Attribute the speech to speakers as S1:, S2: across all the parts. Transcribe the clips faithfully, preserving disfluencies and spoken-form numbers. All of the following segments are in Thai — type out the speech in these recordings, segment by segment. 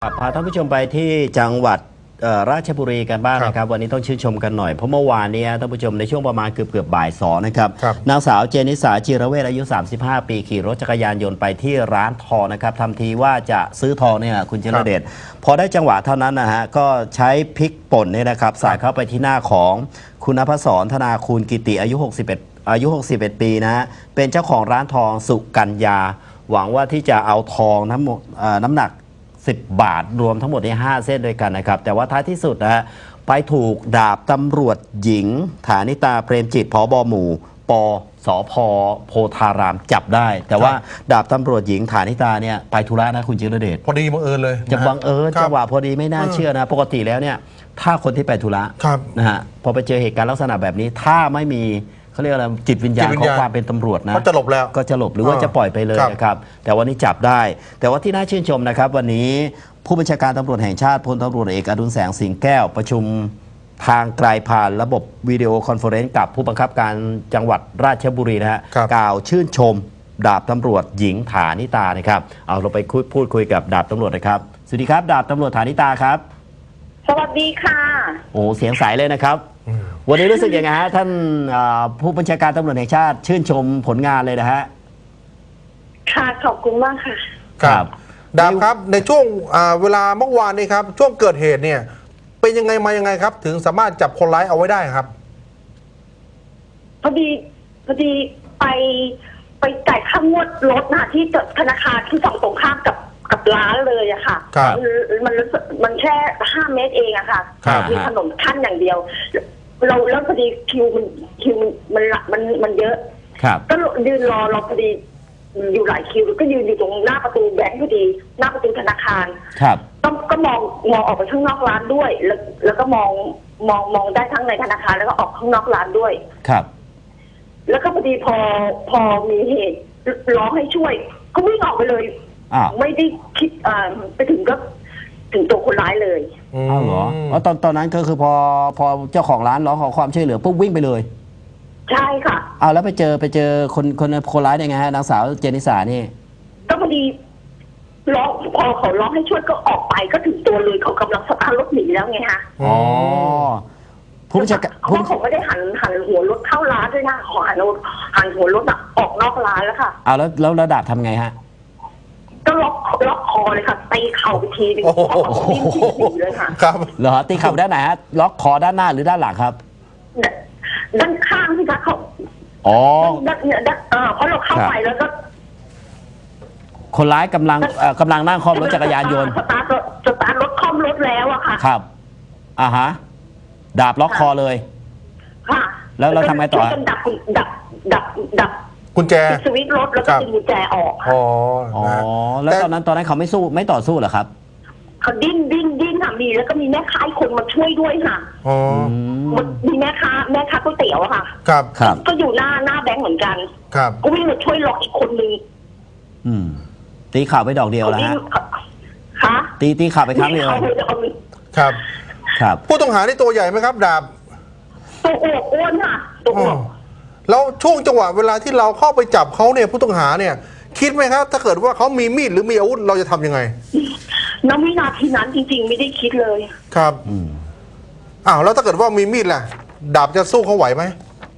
S1: พาท่านผู้ชมไปที่จังหวัดราชบุรีกันบ้างนะครับวันนี้ต้องชื่นชมกันหน่อยเพราะเมื่อวานนี้ท่านผู้ชมในช่วงประมาณเกือบเกือบบ่ายสองนะครับนางสาวเจนิสาจิรเวชอายุสามสิบห้าปีขี่รถจักรยานยนต์ไปที่ร้านทองนะครับทำทีว่าจะซื้อทองเนี่ยคุณเจรเดชพอได้จังหวะเท่านั้นนะฮะก็ใช้พริกป่นเนี่ยนะครับสาดเข้าไปที่หน้าของคุณนภศรธนาคูณกิติอายุหกสิบเอ็ดอายุหกสิบเอ็ดปีนะฮะเป็นเจ้าของร้านทองสุกัญญาหวังว่าที่จะเอาทองทั้งหมดน้ำหนักสิบบาทรวมทั้งหมดในห้าเส้นด้วยกันนะครับแต่ว่าท้ายที่สุดนะฮะไปถูกดาบตำรวจหญิงฐานิตาเปรมจิตผบ.หมู่ปสพโพธารามจับได้แต่ว่าดาบตำรวจหญิงฐานิตาเนี่ยไปธุระนะคุณจิรเดช
S2: พอดีบังเอิญเลย
S1: จะบังเอิญจังหวะพอดีไม่น่าเชื่อนะปกติแล้วเนี่ยถ้าคนที่ไปธุระนะฮะพอไปเจอเหตุการณ์ลักษณะแบบนี้ถ้าไม่มีเขาเรียกอะไรจิตวิญญาณของความเป็นตำรวจนะ
S2: ก็จะหลบแล้ว
S1: ก็จะหลบหรือว่าจะปล่อยไปเลยนะครับแต่วันนี้จับได้แต่ว่าที่น่าชื่นชมนะครับวันนี้ผู้บัญชาการตำรวจแห่งชาติพลตำรวจเอกอดุลแสงสิงแก้วประชุมทางไกลผ่านระบบวิดีโอคอนเฟอเรนซ์กับผู้บังคับการจังหวัดราชบุรีนะฮะกล่าวชื่นชมดาบตำรวจหญิงฐานิตานะครับเอาเราไปพูดคุยกับดาบตำรวจนะครับสวัสดีครับดาบตำรวจฐานิตาครับ
S3: สวัสดีค่ะ
S1: โอ้เสียงใสเลยนะครับวันนี้รู้สึกยังไงฮะท่านผู้บัญชาการตำรวจแห่งชาติชื่นชมผลงานเลยนะฮะ
S3: ค่ะขอบคุณมากค่ะ
S2: ครับดาบครับในช่วงเวลาเมื่อวานนี้ครับช่วงเกิดเหตุเนี่ยเป็นยังไงมายังไงครับถึงสามารถจับคนร้ายเอาไว้ได้ครับ
S3: พอดีพอดีไปไปจ่ายค่างวดรถนะที่ธนาคารที่ฝั่งตรงข้ามกับกับร้านเลยอะค่ะมันมันแค่ห้าเมตรเองอะค่ะมีถนนขั้นอย่างเดียวเราแล้วพอดีคิวมันคิวมันมันมันเยอะก็ยืนรอเราพอดีอยู่หลายคิวก็ยืนอยู่ตรงหน้าประตูแบงค์พอดีหน้าประตูธนาคาร
S1: ครับ
S3: ก็ก็มองมองออกไปข้างนอกร้านด้วยแล้วแล้วก็มองมองมองได้ทั้งในธนาคารแล้วก็ออกข้างนอกร้านด้วย
S1: ครับ
S3: แล้วก็พอดีพอพอมีเหตุร้องให้ช่วยก็วิ่งออกไปเลยไม่ได้คิดไปถึงก็ถึงตัวคนร้ายเลย
S1: อ้าวเหรอแล้วตอนตอนนั้นก็คือพอพอเจ้าของร้านร้องขอความช่วยเหลือปุ๊บวิ่งไปเลย
S3: ใช่ค่ะ
S1: อ้าวแล้วไปเจอไปเจอคนคนคนร้ายได้ไงฮะนางสาวเจนิสานี่
S3: ก็พอดีร้องพอเขาร้องให้ช่วยก็ออกไปก็ถึงตัวเลยเขากำลังสตาร์ทรถหนีแล้วไงฮะ
S1: อ๋อผู้บัญชาการ
S3: เขาเขาไม่ได้หันหันหัวรถเข้าร้านด้วยนะขอหันหันหัวรถออกนอกร้านแล้วค่ะ
S1: อ้าวแล้วแล้วระดับทำไงฮะ
S3: ก็ล็อกล็อกคอเลยค่ะตีเข่าไปทีนึงดิ้นดิ้นเลยค่ะ
S2: ครับ
S1: เหรอตีเข่าด้านไหนฮะล็อกคอด้านหน้าหรือด้านหลังครับ
S3: ด้านข้างสิคะเขา
S1: อ๋อ
S3: ด้านเนี่ยด้านเออเพราะเราเข้าไปแล้วก็
S1: คนร้ายกำลังกำลังนั่งคล่อมรถจักรยานยนต์
S3: สตาร์ทสตาร์ทรถคล่อมรถแล้วอะค่ะ
S1: ครับอ่าฮะดาบล็อกคอเลย
S3: ค่ะ
S1: แล้วเราทำไงต่อ
S3: ดับดับดับดับ
S2: กุญแจ
S3: สวิตช์รถแล้วก็ดึงกุญแจออก
S2: อ๋อ
S1: อ๋อแล้วตอนนั้นตอนนั้นเขาไม่สู้ไม่ต่อสู้เหรอครับ
S3: เขาดิ้นดิ้นดิ้นค่ะมีแล้วก็มีแม่ค้าคนมาช่วยด้วยค่ะ
S2: อ๋อ
S3: มีแม่ค้าแม่ค้าก๋วยเตี๋ยวอะค่ะ
S2: ครับ
S1: ครับ
S3: ก็อยู่หน้าหน้าแบงค์เหมือนกัน
S2: ครับ
S3: ก็วิ่งมาช่วยล็อกอีกคนนึง
S1: อืมตีข่าวไปดอกเดียวแล้วฮะ
S3: ค่ะ
S1: ตีตีข่าวไปครั้งเดียว
S2: ครับ
S1: ครับ
S2: ผู้ต้องหานี่ตัวใหญ่ไหมครับดาบ
S3: ตัวอวบอ้วนค่ะตัวอวบ
S2: แล้วช่วงจังหวะเวลาที่เราเข้าไปจับเขาเนี่ยผู้ต้องหาเนี่ยคิดไหมครับถ้าเกิดว่าเขามีมีดหรือมีอาวุธเราจะทำยังไง
S3: ณวินาทีนั้นจริงๆไม่ได้คิดเลย
S2: ครับอ้าวแล้วถ้าเกิดว่ามีมีดล่ะดาบจะสู้เขาไหวไหม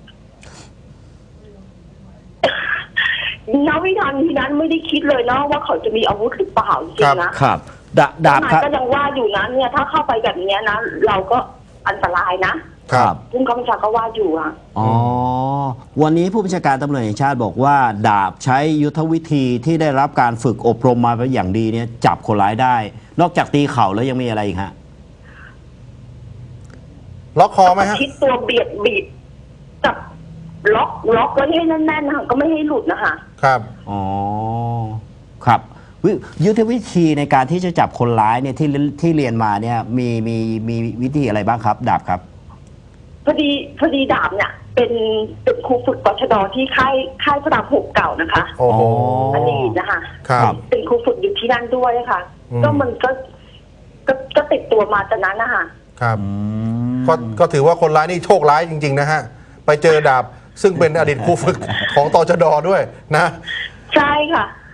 S3: ณวินาทีนั้นไม่ได้คิดเลยนะว่าเขาจะมีอาวุธหรือเปล่าจริงๆนะครับ
S1: ดาบดาบ
S3: ก็ยังว่าอยู่นะเนี่ยถ้าเข้าไปแบบนี้นะเราก็อันตรายนะครับผู้กำกับก็ว่าอยู่อ่ะ
S1: อ๋อวันนี้ผู้บัญชาการตำรวจแห่งชาติบอกว่าดาบใช้ยุทธวิธีที่ได้รับการฝึกอบรมมาเป็นอย่างดีเนี่ยจับคนร้ายได้นอกจากตีเข่าแล้วยังมีอะไรอีกฮะ
S2: ล็อกคอไหมฮะ
S3: ชิดตัวเบียดบีบจับล็อกล็อกไว้ให้แน่นๆนะคะก็ไม่ให้หลุดนะคะ
S2: ครับ
S1: อ๋อครับยุทธวิธีในการที่จะจับคนร้ายเนี่ยที่ที่เรียนมาเนี่ยมีมีมีวิธีอะไรบ้างครับดาบครับ
S3: พอดีพอดีดาบเนี่ยเป็นเป็นครูฝึกตชด.ที่ค่ายค่ายพระรามหกเก่านะคะ
S2: โอ้โห
S3: อันนี้นะคะ
S2: ครับ
S3: เป็นครูฝึกอยู่ที่นั่นด้วยค่ะก็มันก็ก็ก็ติดตัวมาจากนั้นนะคะ
S2: ครับก็ก็ถือว่าคนร้ายนี่โชคร้ายจริงๆนะฮะไปเจอดาบซึ่งเป็นอดีตครูฝึกของตชด.ด้วยนะ
S3: ใช่ค่ะ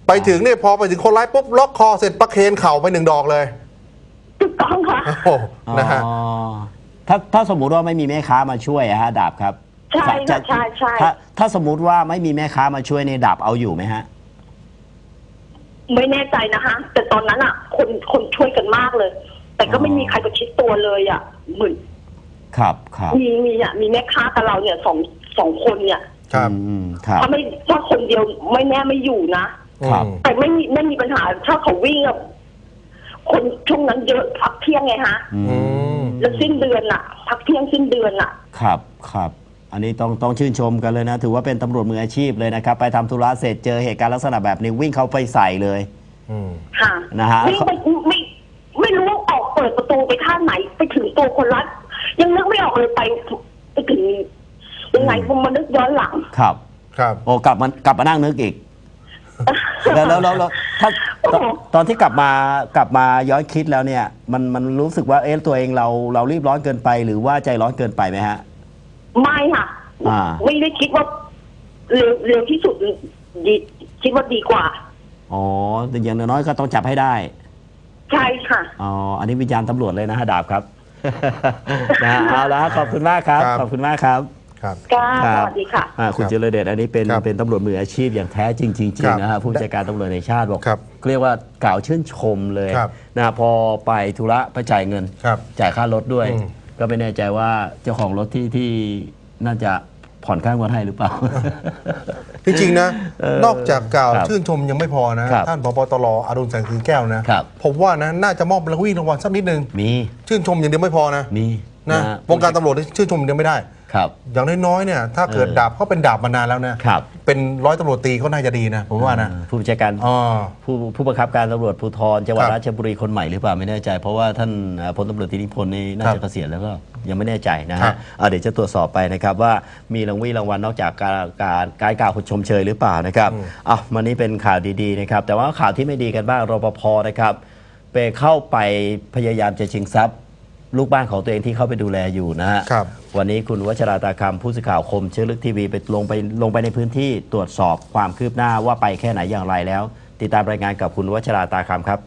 S2: ไปถึงเนี่ยพอไปถึงคนร้ายปุ๊บล็อกคอเสร็จประเคนเข่าไปหนึ่งดอกเลย
S3: ถูกต้องค่ะ
S2: โอ้โหนะฮะ
S1: อ๋อถ้าถ้าสมมุติว่าไม่มีแม่ค้ามาช่วยอะฮะดาบครับ
S3: ใช่
S1: จะ
S3: ค่ะใช่ใช่
S1: ถ้าถ้าสมมุติว่าไม่มีแม่ค้ามาช่วยในยดาบเอาอยู่ไหมฮะ
S3: ไม่แน่ใจนะคะแต่ตอนนั้นอ่ะ คนคนช่วยกันมากเลย แต่ก็ไม่มีใครประชิดตัวเลยอ่ะเหมือน
S1: ครับครับ
S3: มีมีอ่ะมีแม่ค้ากับเราเนี่ยสองสองคนเนี่ย
S2: ครับ
S1: อืมครับ
S3: ถ้าไม่ถ้าคนเดียวไม่แน่ไม่อยู่นะครับ
S2: อืม
S3: แต่ไม่มีไม่มีปัญหาถ้าเขาวิ่งอะคนช่วงนั้นเยอะพักเที่ยงไงฮะ
S1: อืม
S3: แล้วสิ้นเดือนอะพักเที่ยงสิ้นเดือนอะ
S1: ครับครับอันนี้ต้องต้องชื่นชมกันเลยนะ ถือว่าเป็นตำรวจมืออาชีพเลยนะครับ ไปทำธุระเสร็จเจอเหตุการณ์ลักษณะแบบนี้วิ่งเข้าไปใส่เลย
S2: อืม
S3: ค่ะ
S1: นะฮะ
S3: ไม่ไม่ไม่ไม่รู้ว่าออกเปิดประตูไปท่าไหนไปถึงตัวคนรักยังนึกไม่ออกเลยไปไปถึงยังไงผมมานึกย้อนหลัง
S1: ครับ
S2: ครับ
S1: โอ้กลับมากลับมานั่งนึกอีก แล้วแล้วแล้วแล้วถ้าตอนตอนที่กลับมากลับมาย้อนคิดแล้วเนี่ย มันมันรู้สึกว่าเอ๊ะตัวเองเราเรารีบร้อนเกินไปหรือว่าใจร้อนเกินไปไหมฮะ
S3: ไม่ค่ะ
S1: อ่า
S3: ไม่ได้คิดว่าเร็วเร็วที่สุดดีคิดว่าดีกว่า
S1: อ๋อแต่อย่างน้อยๆก็ต้องจับให้ได้
S3: ใช่ค่ะ
S1: อ๋ออันนี้วิญญาณตำรวจเลยนะฮะดาบครับ นะฮะเอาละขอบคุณมากครับ
S2: ครับ
S1: ขอบคุณมากครับ
S2: ครับ
S3: ค่ะ
S1: ครั
S3: ส
S1: บ
S3: วัสดีค่ะ
S1: อ่าคุณ
S2: ครับ
S1: เจริญเดชอันนี้เป็น
S2: ครับ
S1: เป็นตำรวจมืออาชีพอย่างแท้จริงจริง
S2: ครับ
S1: ๆนะฮะผู้บัญชาการตำรวจแห่งชาติบอก
S2: ครับ
S1: เรียกว่ากล่าวชื่นชมเลย
S2: ครับ
S1: นะพอไปธุระไปจ่ายเงิน
S2: ครับ
S1: จ่ายค่ารถด้วย
S2: อืม
S1: ก็ไม่แน่ใจว่าเจ้าของรถที่ที่น่าจะผ่อนค่างวดให้หรือเปล่า
S2: จริงๆนะ
S1: เออน
S2: อกจากกล่าว
S1: ครับ
S2: ชื่นชมยังไม่พอนะ
S1: ครับ
S2: ท่านผบตรอดุลแสงสิงแก้วนะครับ ผมว่านะน่าจะมอบรางวัลรางวัลสักนิดนึง
S1: มี
S2: ชื่นชมอย่างเดียวไม่พอนะ
S1: มี
S2: นะ
S1: ฮ
S2: วงการตำรวจนี่ชื่นชมอย่างเดียวไม่ได้
S1: ครับ
S2: อย่างน้อยๆเนี่ยถ้าเกิด
S1: เออ
S2: ดาบเขาเป็นดาบมานานแล้วนะครับ เป็นร้อยตำรวจตรีเขาน่าจะดีนะผมว่านะ
S1: ผู้บัญชาการ
S2: อ๋อ
S1: ผู้ผู้บังคับการตำรวจภูธรจังหวัด
S2: ครับ
S1: ราชบุรีคนใหม่หรือเปล่าไม่แน่ใจ เพราะว่าท่านเอ่อพลตำรวจตรีนิพนธ์นี่น่า
S2: ครั
S1: จะ
S2: บ
S1: เกษียณแล้วก็ยังไม่แน่ใจนะ
S2: ครั
S1: ฮะ
S2: บ
S1: อ่าเดี๋ยวจะตรวจสอบไปนะครับว่ามีรางวีรางวัลนอกจากการการการกล่าวชมเชยหรือเปล่านะครับอ่ะวันนี้เป็นข่าวดีๆนะครับแต่ว่าข่าวที่ไม่ดีกันบ้างรปภนะครับไปเข้าไปพยายามจะชิงทรัพย์ลูกบ้านของตัวเองที่เข้าไปดูแลอยู่นะฮะ
S2: ครับ
S1: วันนี้คุณวัชราตาคำผู้สื่อข่าวคมเชื้อลึกทีวีไปลงไปลงไปในพื้นที่ตรวจสอบความคืบหน้าว่าไปแค่ไหนอย่างไรแล้ว ติดตามรายงานกับคุณวัชราตาคำครับ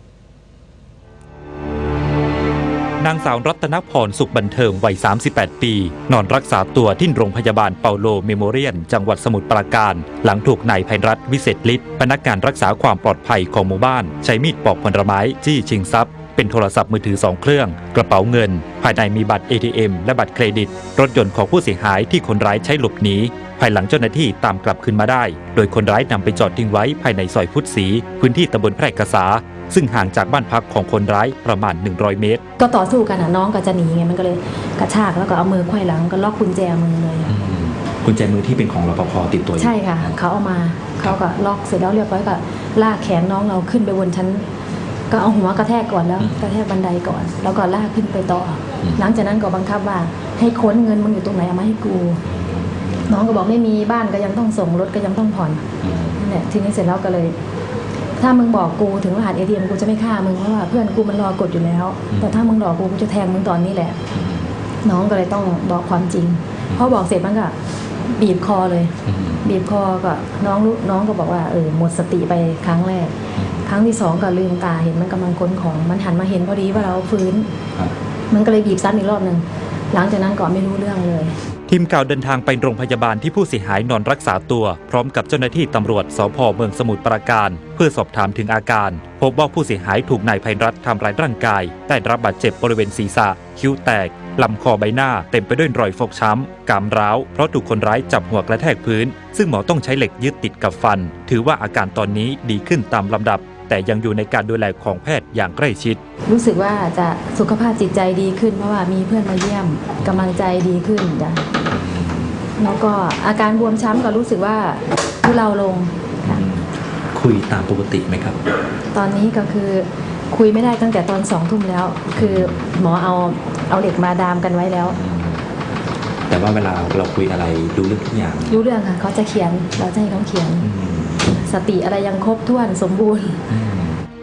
S4: นางสาวรัตนพรสุขบันเทิงวัย สามสิบแปด ปี นอนรักษาตัวที่โรงพยาบาลเปาโลเมโมเรียน จังหวัดสมุทรปราการ หลังถูกนายไพรัตน์วิเศษฤทธิ์พนักงานรักษาความปลอดภัยของหมู่บ้าน ใช้มีดปอกผลไม้จี้ชิงทรัพย์ เป็นโทรศัพท์มือถือสองเครื่อง กระเป๋าเงิน ภายในมีบัตร เอ ที เอ็ม และบัตรเครดิต รถยนต์ของผู้เสียหายที่คนร้ายใช้หลบหนีภายหลังเจ้าหน้าที่ตามกลับคืนมาได้ โดยคนร้ายนำไปจอดทิ้งไว้ภายในซอยพุทธศรีพื้นที่ตำบลแพร่กษา ซึ่งห่างจากบ้านพักของคนร้ายประมาณหนึ่งร้อยเมตร
S5: ก็ต่อสู้กันอ่ะน้องก็จะหนีไงมันก็เลยกระชากแล้วก็เอามือไขว้หลังก็ล็อกกุญแจมือเลยอะ
S6: กุญแจมือที่เป็นของรปภติดตัวอยู่
S5: ใช่ค่ะเขาเอามาเขาก็ล็อกเสร็จแล้วเรียบร้อยก็ลากแขนน้องเราขึ้นไปบนชั้น ก็เอาหัวกระแทกก่อนแล้วกระแทกบันไดก่อน แล้วก็ลากขึ้นไปต่ออหลังจากนั้นก็บังคับว่าให้ค้นเงินมึงอยู่ตรงไหนเอามาให้กู น้องก็บอกไม่มีบ้านก็ยังต้องส่งรถก็ยังต้องผ่อนนั่นแหละทีนี้เสร็จแล้วก็เลย ถ้ามึงบอกกูถึงรหัส เอ ที เอ็ม กูจะไม่ฆ่ามึงเพราะว่าเพื่อนกูมันรอกดอยู่แล้ว แต่ถ้ามึงหลอกกูกูจะแทงมึงตอนนี้แหละ น้องก็เลยต้องบอกความจริงพอบอกเสร็จมันก็บีบคอเลย บีบคอก็น้องรู้น้องก็บอกว่าเออหมดสติไปครั้งแรก ครั้งที่สองก็ลืมตาเห็นมันกำลังค้นของมันหันมาเห็นพอดีว่าเราฟื้น มันก็เลยบีบซ้ำอีกรอบหนึ่งหลังจากนั้นก็ไม่รู้เรื่องเลย
S4: ทีมข่าวเดินทางไปโรงพยาบาลที่ผู้เสียหายนอนรักษาตัว พร้อมกับเจ้าหน้าที่ตำรวจสภ.เมืองสมุทรปราการ เพื่อสอบถามถึงอาการ พบว่าผู้เสียหายถูกนายไพรัตน์ทำร้ายร่างกายได้รับบาดเจ็บบริเวณศีรษะ คิ้วแตก ลำคอใบหน้าเต็มไปด้วยรอยฟกช้ำกรามร้าวเพราะถูกคนร้ายจับหัวกระแทกพื้น ซึ่งหมอต้องใช้เหล็กยึดติดกับฟัน ถือว่าอาการตอนนี้ดีขึ้นตามลำดับ แต่ยังอยู่ในการดูแลของแพทย์อย่างใกล้ชิด
S5: รู้สึกว่าจะสุขภาพจิตใจดีขึ้นเพราะว่ามีเพื่อนมาเยี่ยมกำลังใจดีขึ้นจ้ะแล้วก็อาการบวมช้ำก็รู้สึกว่าทุเลาลงค่ะ
S6: คุยตามปกติไหมครับ
S5: ตอนนี้ก็คือคุยไม่ได้ตั้งแต่ตอนสองทุ่มแล้ว คือหมอเอาเอาเหล็กมาดามกันไว้แล้ว
S6: แต่ว่าเวลาเราคุยอะไรดูเรื่องทุกอย่าง
S5: รู้เรื่องค่ะเขาจะเขียนเราจะให้เขาเขียน
S6: อืม
S5: สติอะไรยังครบถ้วนสมบูรณ์
S6: อืม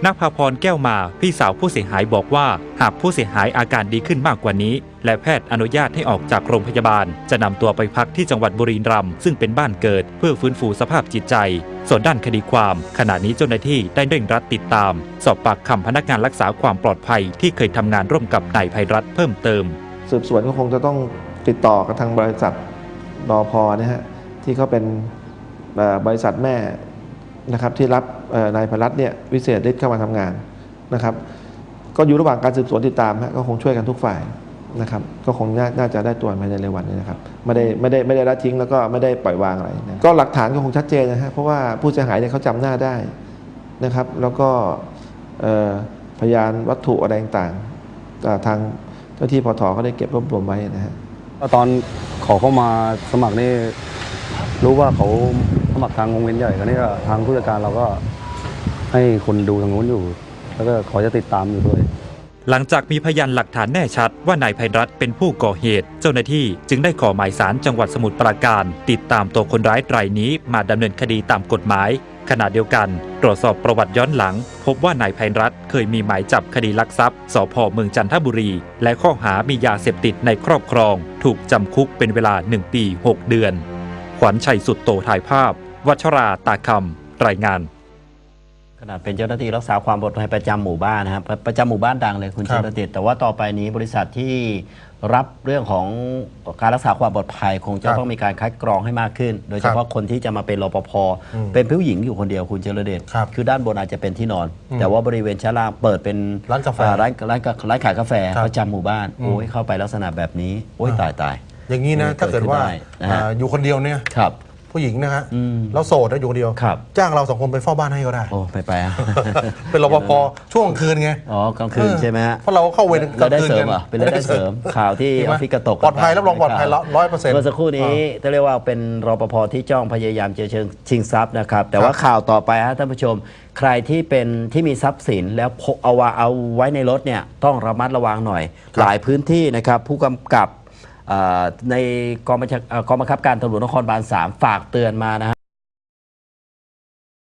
S4: นภาพรแก้วมาพี่สาวผู้เสียหายบอกว่าหากผู้เสียหายอาการดีขึ้นมากกว่านี้และแพทย์อนุญาตให้ออกจากโรงพยาบาลจะนำตัวไปพักที่จังหวัดบุรีรัมย์ซึ่งเป็นบ้านเกิดเพื่อฟื้นฟูสภาพจิตใจส่วนด้านคดีความขณะนี้เจ้าหน้าที่ได้เร่งรัดติดตามสอบปากคำพนักงานรักษาความปลอดภัยที่เคยทำงานร่วมกับนายไพรัตน์เพิ่มเติม
S7: สืบสวนก็คงจะต้องติดต่อกับทางบริษัทรอพอนะฮะที่เขาเป็นบริษัทแม่นะครับที่รับนายไพรัตน์เนี่ยวิเศษฤทธิ์เข้ามาทำงานนะครับก็อยู่ระหว่างการสืบสวนติดตามฮะก็คงช่วยกันทุกฝ่ายนะครับก็คงน่าจะได้ตัวภายในเร็ววันนี้นะครับไม่ได้ไม่ได้ไม่ได้ละทิ้งแล้วก็ไม่ได้ปล่อยวางอะไรนะก็หลักฐานก็คงชัดเจนนะฮะเพราะว่าผู้เสียหายเนี่ยเขาจำหน้าได้นะครับแล้วก็พยานวัตถุอะไรต่างๆทางเจ้าที่ปท.ก็ได้เก็บรวบรวมไว้นะฮะ
S8: ตอนขอเข้ามาสมัครนี่รู้ว่าเขาสมัครทางวงเวียนใหญ่กันนี่ก็ทางผู้จัดการเราก็ให้คนดูทางนู้นอยู่แล้วก็ขอจะติดตามอยู่ด้วย
S4: หลังจากมีพยานหลักฐานแน่ชัดว่านายไพรัตน์เป็นผู้ก่อเหตุเจ้าหน้าที่จึงได้ขอหมายศาลจังหวัดสมุทรปราการติดตามตัวคนร้ายรายนี้มาดำเนินคดีตามกฎหมายขณะเดียวกันตรวจสอบประวัติย้อนหลังพบว่านายไพรัตน์เคยมีหมายจับคดีลักทรัพย์สภ.เมืองจันทบุรีและข้อหามียาเสพติดในครอบครองถูกจำคุกเป็นเวลาหนึ่งปีหกเดือนขวัญชัยสุดโตถ่ายภาพวัชราตาคำรายงาน
S1: ขนาดเป็นเจ้าหน้าที่รักษาความปลอดภัยประจำหมู่บ้านนะครับประจำหมู่บ้านดังเลยคุณเชษฐิตแต่ว่าต่อไปนี้บริษัทที่รับเรื่องของการรักษาความปลอดภัยคงจะต้องมีการคัดกรองให้มากขึ้นโดยเฉพาะคนที่จะมาเป็นรปภเป็นผู้หญิงอยู่คนเดียวคุณเจริญเดชคือด้านบนอาจจะเป็นที่นอนแต่ว่าบริเวณชั้นล่างเปิดเป็น
S2: ร้านกาแฟ
S1: ร้านร้านร้านขายกาแฟประจำหมู่บ้านโอ้ยเข้าไปลักษณะแบบนี้โอ้ยตายตาย
S2: อย่างนี้นะถ้าเกิดว่าอยู่คนเดียวเนี่ยผู้หญิงนะฮะแล้วโสดนะอยู่คนเดียวจ้างเราสองคนไปเฝ้าบ้านให้ก็ได้
S1: โอ้ไปไป
S2: เป็นรปภช่วงคืนไง
S1: อ๋อกลางคืนใช่ไหมฮะ
S2: เพราะเราเข้าเวร
S1: กลางคืนกันเป็นรายได้เสริมข่าวที่ออฟฟิศกระตก
S2: ปลอดภัยรับรองปลอดภัยร้อยเปอร์เซ็นต์
S1: เมื่อสักครู่นี้จะเรียกว่าเป็นรปภที่จ้องพยายามจะเชิงชิงทรัพย์นะครับแต่ว่าข่าวต่อไปฮะท่านผู้ชมใครที่เป็นที่มีทรัพย์สินแล้วเอาว่าเอาไว้ในรถเนี่ยต้องระมัดระวังหน่อยหลายพื้นที่นะครับผู้กำกับในกองบัญชาการกองบังคับการตำรวจนครบาลสามฝากเตือนมานะฮะ